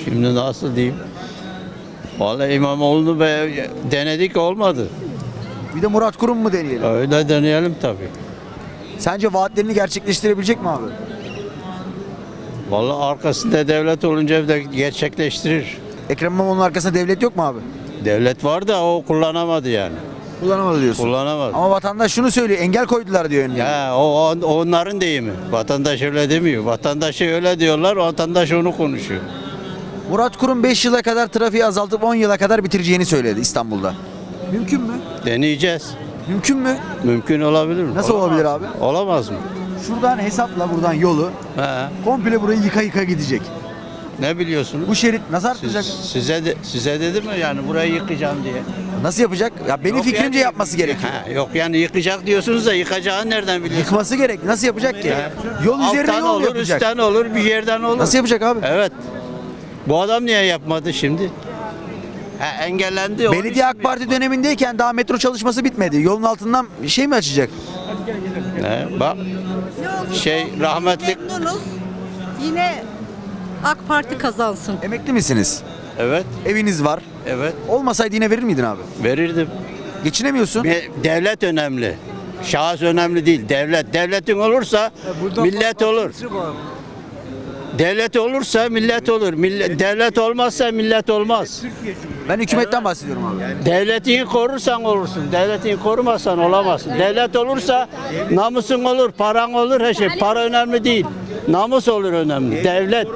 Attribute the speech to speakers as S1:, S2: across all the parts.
S1: Şimdi nasıl diyeyim? Vallahi İmamoğlu'nu denedik, olmadı.
S2: Bir de Murat Kurum mu deneyelim?
S1: Öyle deneyelim tabii.
S2: Sence vaatlerini gerçekleştirebilecek mi abi?
S1: Vallahi arkasında devlet olunca da gerçekleştirir.
S2: Ekrem İmamoğlu'nun arkasında devlet yok mu abi?
S1: Devlet var da o kullanamadı yani.
S2: Kullanamadı diyorsun.
S1: Kullanamadı.
S2: Ama vatandaş şunu söylüyor, engel koydular diyor önüne.
S1: Ya onların deyimi. Vatandaş öyle demiyor. Vatandaşı öyle diyorlar, vatandaş onu konuşuyor.
S2: Murat Kurum 5 yıla kadar trafiği azaltıp 10 yıla kadar bitireceğini söyledi İstanbul'da. Mümkün mü?
S1: Deneyeceğiz.
S2: Mümkün mü?
S1: Mümkün olabilir mi?
S2: Nasıl olabilir abi?
S1: Olamaz mı?
S2: Şuradan hesapla buradan yolu
S1: He.
S2: komple burayı yıka yıka gidecek.
S1: Ne biliyorsunuz?
S2: Bu şerit nasıl artacak?
S1: Size dedim mi yani burayı yıkacağım diye?
S2: Nasıl yapacak? Ya benim
S1: Yok
S2: fikrimce
S1: yani-
S2: yapması gerekiyor.
S1: Yok yani yıkacak diyorsunuz da yıkacağını nereden biliyorsunuz?
S2: Yıkması gerek. Nasıl yapacak ki? Yol üzerine
S1: Alttan
S2: yol
S1: olur,
S2: yapacak.
S1: üstten olur, bir yerden olur.
S2: Nasıl yapacak abi?
S1: Evet. Bu adam niye yapmadı şimdi? Engellendi. onun için
S2: Belediye AK
S1: mi
S2: Parti dönemindeyken daha metro çalışması bitmedi. Yolun altından bir şey mi açacak?
S1: Bak rahmetlik.
S3: Memnunuz. Yine AK Parti kazansın.
S2: Emekli misiniz?
S1: Evet,
S2: Eviniz var.
S1: evet.
S2: Olmasaydı yine verir miydin abi?
S1: Verirdim.
S2: Geçinemiyorsun.
S1: Devlet önemli. Şahıs önemli değil. Devlet. Devletin olursa millet olur. Devlet olursa millet olur. Devlet olmazsa millet olmaz.
S2: Ben hükümetten bahsediyorum abi.
S1: Devletini korursan olursun. Devletini korumazsan olamazsın. Devlet olursa namusun olur, paran olur, her şey. Para önemli değil. Namus olur önemli.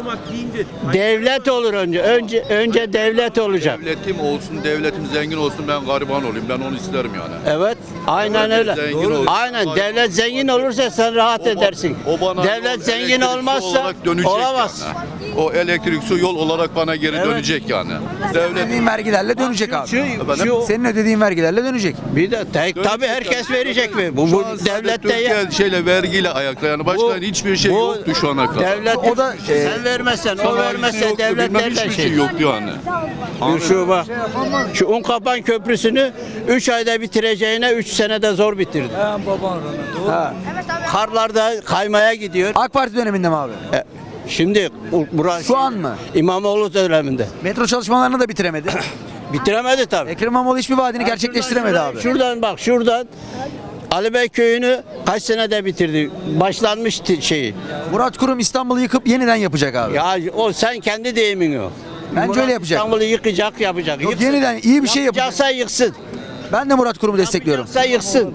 S1: Devlet olur önce. Önce devlet olacak.
S4: Devletim olsun, devletim zengin olsun, ben gariban olayım. Ben onu isterim yani.
S1: Evet, aynen öyle.
S4: Zengin olsun.
S1: Aynen, devlet zengin olursa sen rahat edersin.
S4: O bana
S1: Devlet
S4: yol,
S1: zengin
S4: elektrik, su
S1: olmazsa
S4: olarak dönecek
S1: olamaz.
S4: yani. O elektrik, su, yol olarak bana geri dönecek yani. Devlet
S2: Ödediğin vergilerle dönecek abi. Senin ödediğin vergilerle dönecek.
S1: Bir de tabii herkes verecek mi? Bu devlette
S4: Türkiye şeyle vergiyle ayakta yani başka hiçbir şey yoktu şu ana kadar.
S1: Devlet
S2: O da,
S1: sen vermezsen, o vermezse devlet
S4: bilmem
S1: nereden
S4: hiçbir
S1: şey?
S4: şey yoktu yani.
S1: Şu bak, şu Unkapan Köprüsü'nü 3 ayda bitireceğine 3 senede zor bitirdi. Ha. Karlarda kaymaya gidiyor.
S2: AK Parti döneminde mi abi?
S1: Şimdi burası
S2: Şu an mı?
S1: İmamoğlu döneminde.
S2: Metro çalışmalarını da bitiremedi.
S1: Bitiremedi tabii.
S2: Ekrem İmamoğlu hiçbir vaadini gerçekleştiremedi abi.
S1: Şuradan Ali Bey köyünü kaç senede bitirdi? Başlanmış şeyi.
S2: Murat Kurum İstanbul'u yıkıp yeniden yapacak abi.
S1: Ya o sen kendi deyimin o.
S2: Bence öyle yapacak.
S1: İstanbul'u yıkacak, yapacak.
S2: Yok,
S1: Yıksın.
S2: yeniden iyi bir şey yapacak.
S1: Yapacaksa yıksın.
S2: Ben de Murat Kurum'u destekliyorum.
S1: Yapacaksa yıksın.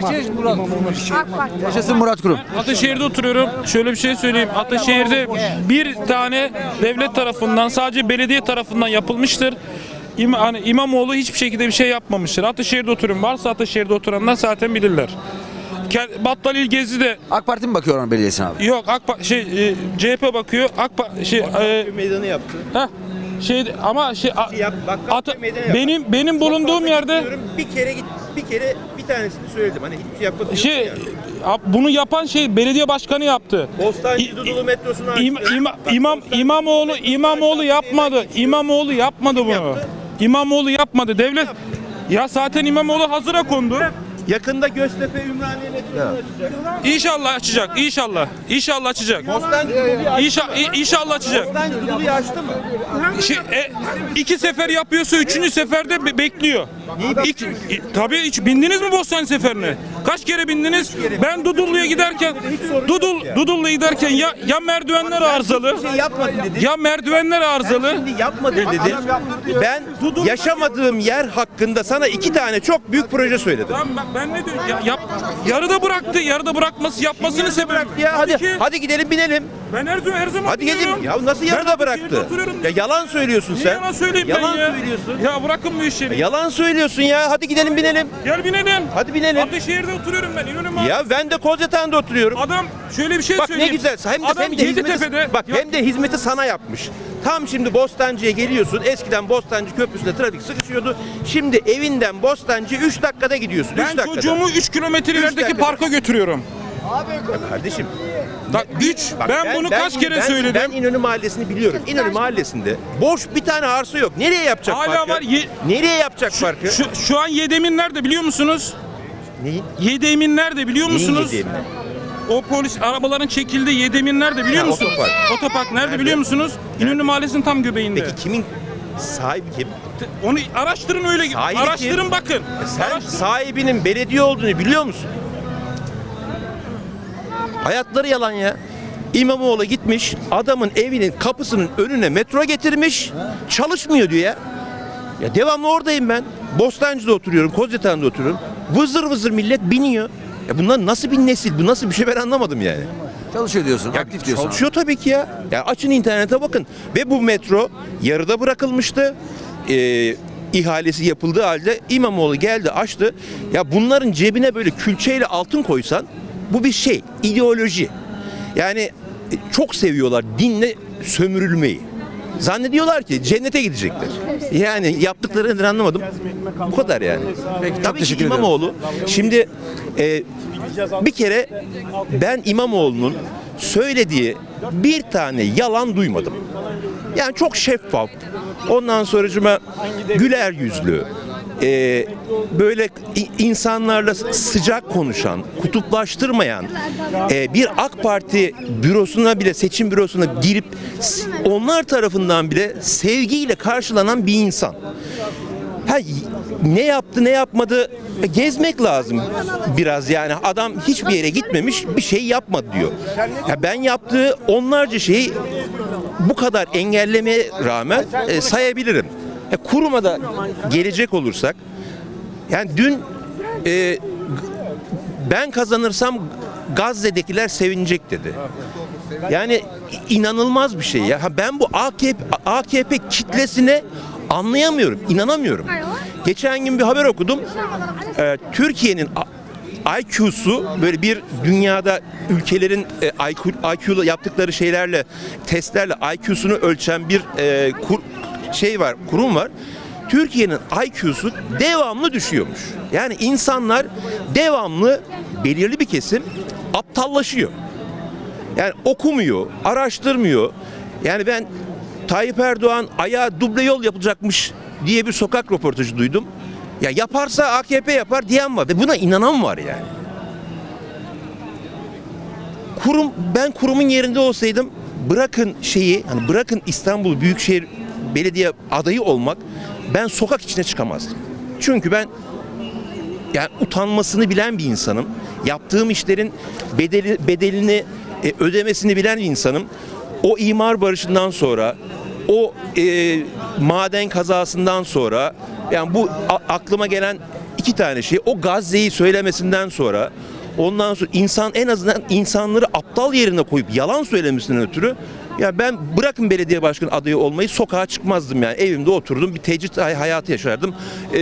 S2: Yaşasın Murat Kurum.
S5: Ataşehir'de oturuyorum. Şöyle bir şey söyleyeyim. Ataşehir'de bir tane devlet tarafından, sadece belediye tarafından yapılmıştır. Hani İmamoğlu hiçbir şekilde bir şey yapmamıştır. Ataşehir'de oturuyorum. Varsa Ataşehir'de oturanlar zaten bilirler. Battalil Gezi de
S2: AK Parti mi bakıyor onun belediyesine abi?
S5: yok. CHP bakıyor.
S6: Meydanı yaptı.
S5: Heh, ama
S6: Bak, meydanı yaptı.
S5: benim bulunduğum yerde
S6: Bir kere bir tanesini söyledim. Hani hiçbir şey yapmadı.
S5: bunu yapan belediye başkanı yaptı.
S6: Bostancı Dudullu metrosunu açtı.
S5: İmamoğlu yapmadı. İmamoğlu yapmadı bunu.
S6: yaptı?
S5: İmamoğlu yapmadı. Devlet ya zaten İmamoğlu hazıra kondu.
S6: Yakında Göztepe Ümraniye metrosunu açacak.
S5: İnşallah açacak. İnşallah açacak.
S6: Bostancı Dudullu'yu açtı.
S5: İnşallah açacak.
S6: Bostancı Dudullu'yu açtı mı?
S5: 2 sefer yapıyorsa 3. seferde bekliyor. Tabii hiç bindiniz mi Bostancı seferine? Kaç kere bindiniz? Ben Dudullu'ya giderken Dudullu'ya giderken ya merdivenler arızalı.
S6: Bir şey yapmadı dedi.
S5: Ya merdivenler arızalı.
S6: Şimdi yapmadı dedi. Ben yaşamadığım yer hakkında sana 2 tane çok büyük proje söyledim.
S5: Tamam ben ne diyorum? Yarıda bıraktı. Yarıda yapmasını sebep.
S6: Ya hadi gidelim binelim.
S5: Ben her zaman
S6: Hadi
S5: biniyorum.
S6: gidelim. Ya nasıl yarıda
S5: Ben
S6: bıraktı?
S5: Ataşehir'de oturuyorum.
S6: Ya yalan söylüyorsun
S5: Niye
S6: sen.
S5: yalan söyleyeyim
S6: Yalan
S5: ben ya?
S6: söylüyorsun.
S5: Ya bırakın bu işleri.
S6: Yalan söylüyorsun ya. Hadi gidelim binelim.
S5: Gel binelim.
S6: Hadi binelim.
S5: Ataşehir'de oturuyorum ben. İnönü
S6: Ya ben de Kozyatağı'nda oturuyorum.
S5: Adam şöyle bir şey
S6: Bak ne
S5: söyleyeyim.
S6: güzel.
S5: Adam Yeditepe'de.
S6: Hem de hizmeti sana yapmış. Tam şimdi Bostancı'ya geliyorsun. Eskiden Bostancı Köprüsü'nde trafik sıkışıyordu. Şimdi evinden Bostancı 3 dakikada gidiyorsun. 3
S5: Ben
S6: dakikada.
S5: çocuğumu 3 kilometre ilerideki
S6: dakikada.
S5: parka götürüyorum.
S6: Kardeşim.
S5: Bak, ben bunu kaç kere söyledim.
S6: Ben İnönü Mahallesi'ni biliyorum. İnönü Mahallesi'nde boş bir tane arsa yok. Nereye yapacak
S5: Hala
S6: parkı?
S5: var.
S6: Nereye yapacak parkı?
S5: Şu an Yedemin nerede biliyor musunuz?
S6: Neyin?
S5: Yedemin nerede biliyor
S6: Neyin
S5: musunuz?
S6: yediğini?
S5: o polis arabaların çekildiği Yedemir nerede biliyor
S6: Ha,
S5: musunuz?
S6: otopark.
S5: Otopark nerede biliyor musunuz? İnönü Mahallesi'nin tam göbeğinde.
S6: Peki kimin sahibi kim?
S5: Onu araştırın öyle.
S6: Sahibi
S5: Araştırın
S6: kim?
S5: bakın.
S6: Sen sahibinin belediye olduğunu biliyor musun? Hayatları yalan ya. İmamoğlu gitmiş, adamın evinin kapısının önüne metro getirmiş, çalışmıyor diyor ya. Ya devamlı oradayım ben. Bostancı'da oturuyorum, Kozyatağı'nda oturuyorum. Vızır vızır millet biniyor. Ya bunlar nasıl bir nesil, bu nasıl bir şey ben anlamadım yani.
S2: Çalışıyor diyorsun.
S6: Ya
S2: aktif diyorsun.
S6: çalışıyor tabii ki ya. Ya açın internete bakın. Ve bu metro yarıda bırakılmıştı. İhalesi yapıldığı halde İmamoğlu geldi açtı. Ya bunların cebine böyle külçeyle altın koysan bu bir şey, ideoloji. Yani çok seviyorlar dinle sömürülmeyi. Zannediyorlar ki cennete gidecekler. Yani yaptıkları nedir anlamadım. Bu kadar yani.
S2: Peki, çok
S6: Tabii ki
S2: teşekkür ederim.
S6: İmamoğlu. Şimdi bir kere ben İmamoğlu'nun söylediği bir tane yalan duymadım. Yani çok şeffaf. Ondan sonracıma güler yüzlü. Böyle insanlarla sıcak konuşan, kutuplaştırmayan, bir AK Parti bürosuna bile, seçim bürosuna girip onlar tarafından bile sevgiyle karşılanan bir insan. Ha, ne yaptı ne yapmadı gezmek lazım biraz yani adam hiçbir yere gitmemiş bir şey yapmadı diyor. Ya ben yaptığı onlarca şeyi bu kadar engellemeye rağmen sayabilirim. Kuruma da gelecek olursak yani dün ben kazanırsam Gazze'dekiler sevinecek dedi. Yani inanılmaz bir şey ya. Ha, ben bu AKP kitlesine anlayamıyorum, inanamıyorum. Geçen gün bir haber okudum. Türkiye'nin IQ'su böyle bir dünyada ülkelerin IQ'lu yaptıkları şeylerle, testlerle IQ'sunu ölçen bir kurum var. Türkiye'nin IQ'su devamlı düşüyormuş. Yani insanlar devamlı belirli bir kesim aptallaşıyor. Yani okumuyor, araştırmıyor. Yani ben Tayyip Erdoğan ayağa duble yol yapılacakmış diye bir sokak röportajı duydum. Ya yaparsa AKP yapar diyen var ve buna inanan var yani. Ben kurumun yerinde olsaydım bırakın hani bırakın İstanbul Büyükşehir Belediye adayı olmak ben sokak içine çıkamazdım. Çünkü ben yani utanmasını bilen bir insanım. Yaptığım işlerin bedelini ödemesini bilen bir insanım. O imar barışından sonra, o maden kazasından sonra, yani bu aklıma gelen iki tane şey, o Gazze'yi söylemesinden sonra, ondan sonra en azından insanları aptal yerine koyup yalan söylemesinden ötürü, ya ben bırakın belediye başkanı adayı olmayı sokağa çıkmazdım yani evimde oturdum bir tecrit hayatı yaşardım.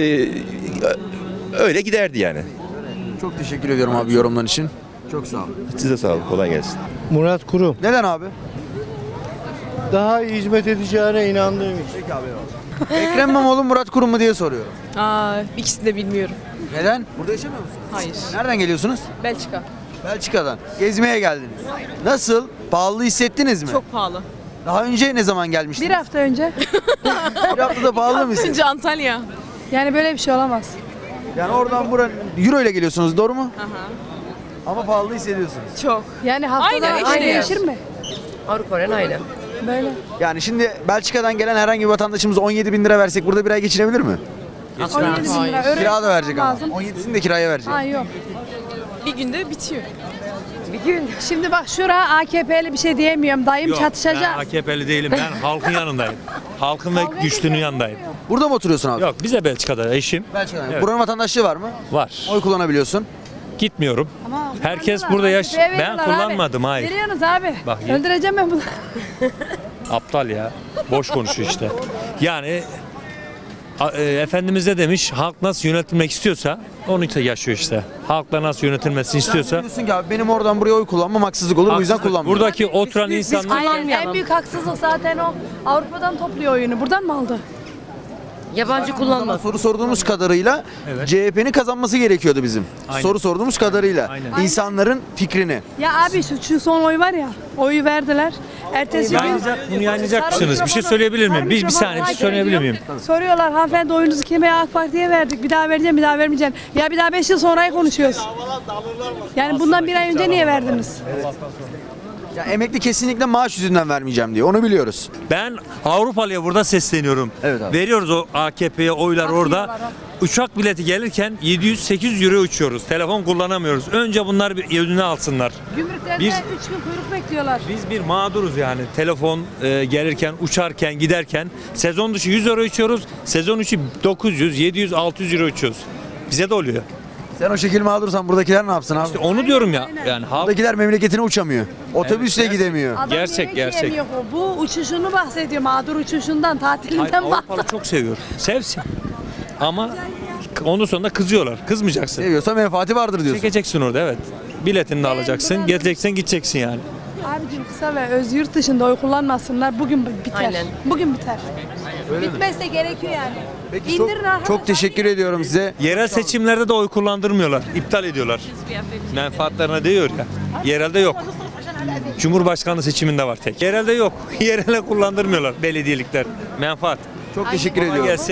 S6: Öyle giderdi yani.
S2: Çok teşekkür ediyorum abi yorumların için. Çok sağ ol.
S6: Size sağ olun, kolay gelsin.
S7: Murat Kurum.
S2: Neden abi?
S7: Daha iyi hizmet edeceğine inandığım için.
S2: Peki abi. Ekrem İmamoğlu Murat Kurum mu diye soruyorum.
S8: İkisini de bilmiyorum.
S2: Neden? Burada yaşamıyor musunuz?
S8: Hayır.
S2: Nereden geliyorsunuz?
S8: Belçika.
S2: Belçika'dan. Gezmeye geldiniz. Nasıl? Pahalı hissettiniz mi?
S8: Çok pahalı.
S2: Daha önce ne zaman gelmiştiniz?
S9: Bir hafta önce.
S2: Bir haftada pahalı mı?
S8: Önce Antalya.
S9: Yani böyle bir şey olamaz.
S2: Yani oradan buraya euro ile geliyorsunuz doğru mu?
S8: Aha.
S2: Ama pahalı hissediyorsunuz.
S8: Çok.
S9: Yani haftada
S8: Aynen,
S9: aynı
S8: işte.
S9: değişir mi?
S8: Avrupa'nın aynı.
S9: Böyle.
S2: Yani şimdi Belçika'dan gelen herhangi bir vatandaşımız 17 bin lira versek burada bir ay geçinebilir mi?
S9: 17 bin lira. Öğrenci
S2: Kira da verecek ama.
S9: lazım.
S2: 17'sini de kiraya verecek.
S9: Ha yok.
S8: Bir günde bitiyor.
S9: Şimdi bak şura AKP'li bir şey diyemiyorum. Dayım
S10: Ben
S9: çatışacak.
S10: AKP'li değilim. Ben halkın yanındayım. Halkın ve güçlünün yanındayım.
S2: Burada mı oturuyorsun abi?
S10: Yok bize Belçika'da eşim
S2: Belçika'dan.
S10: Evet.
S2: Buranın vatandaşlığı var mı?
S10: var.
S2: Oy kullanabiliyorsun.
S10: Gitmiyorum.
S9: Ama
S10: Herkes
S9: kullanıyorlar,
S10: burada
S9: AKP'ye
S10: ben
S9: veriyorlar
S10: kullanmadım
S9: abi.
S10: hayır.
S9: Veriyorsunuz abi.
S10: Bak,
S9: Öldüreceğim ben bunu.
S10: Aptal ya. Boş konuşuyor işte. Yani Efendimiz de demiş halk nasıl yönetilmek istiyorsa onu yaşıyor işte. Halkla nasıl yönetilmesini istiyorsa.
S2: Diyorsun ki abi benim oradan buraya oy kullanmam haksızlık olur. Bu yüzden
S10: Haksızlık.
S2: kullanmıyorum.
S10: Buradaki oturan insanlar
S9: Aynen. En büyük haksızlık zaten o. Avrupa'dan topluyor oyunu. Buradan mı aldı?
S8: Yabancı
S2: Ama soru sorduğumuz kadarıyla
S10: Evet.
S2: CHP'nin kazanması gerekiyordu bizim.
S10: Aynen.
S2: Soru sorduğumuz kadarıyla.
S10: Aynen.
S2: İnsanların fikrini.
S9: Ya abi şu son oy var ya. Oyu verdiler. Ertesi gün
S10: Bunu yayınlayacak mısınız? Bir şey söyleyebilir miyim? Bir saniye bir şey söyleyebilir miyim?
S9: soruyorlar hanımefendi oyunuzu kime, AK Parti'ye verdik. Bir daha vereceğim, bir daha vermeyeceğim. Ya bir daha 5 yıl sonrayı konuşuyoruz. Yani bundan bir ay önce niye verdiniz?
S2: Ya emekli kesinlikle maaş yüzünden vermeyeceğim diyor. Onu biliyoruz.
S10: Ben Avrupalıya burada sesleniyorum.
S2: Evet abi.
S10: Veriyoruz o AKP'ye oylar orada. Uçak bileti gelirken 700-800 euro uçuyoruz. Telefon kullanamıyoruz. Önce bunlar bir önüne alsınlar.
S9: Gümrüklerde 3
S10: Biz-
S9: gün kuyruk bekliyorlar.
S10: Biz bir mağduruz yani. Telefon gelirken, uçarken, giderken. Sezon dışı 100 euro uçuyoruz. Sezon içi 900, 700, 600 euro uçuyoruz. Bize de oluyor.
S2: Sen o şekil mağdursan buradakiler ne yapsın abi?
S10: İşte onu diyorum ya. Yani halk
S2: Buradakiler memleketine uçamıyor. Otobüsle
S10: Evet,
S2: gidemiyor.
S9: Adam
S10: Gerçek,
S9: yemek
S10: gerçek.
S9: yiyemiyor o. Bu uçuşunu bahsediyor. Mağdur uçuşundan, tatilinden
S10: Avrupalı
S9: bahsediyor.
S10: çok seviyor. Sevsin. Ama onun sonunda kızıyorlar. Kızmayacaksın.
S2: Seviyorsa menfaati vardır diyorsun.
S10: Çekeceksin orada evet. Biletini de alacaksın. Geleceksin gideceksin yani.
S9: Abicim kısa ve öz yurt dışında oy kullanmasınlar. Bugün biter.
S8: Aynen.
S9: Bugün biter. Bitmezse gerekiyor yani.
S2: Peki çok,
S9: İndirin arkadaşlar.
S2: çok teşekkür ediyorum size.
S10: Yerel seçimlerde de oy kullandırmıyorlar. İptal ediyorlar. Menfaatlerine değiyor ya. Yerelde yok. Cumhurbaşkanlığı seçiminde var tek. Yerelde yok. Yerele kullandırmıyorlar belediyelikler. Menfaat.
S2: Çok teşekkür
S10: Kolay
S2: ediyorum.
S10: gelsin.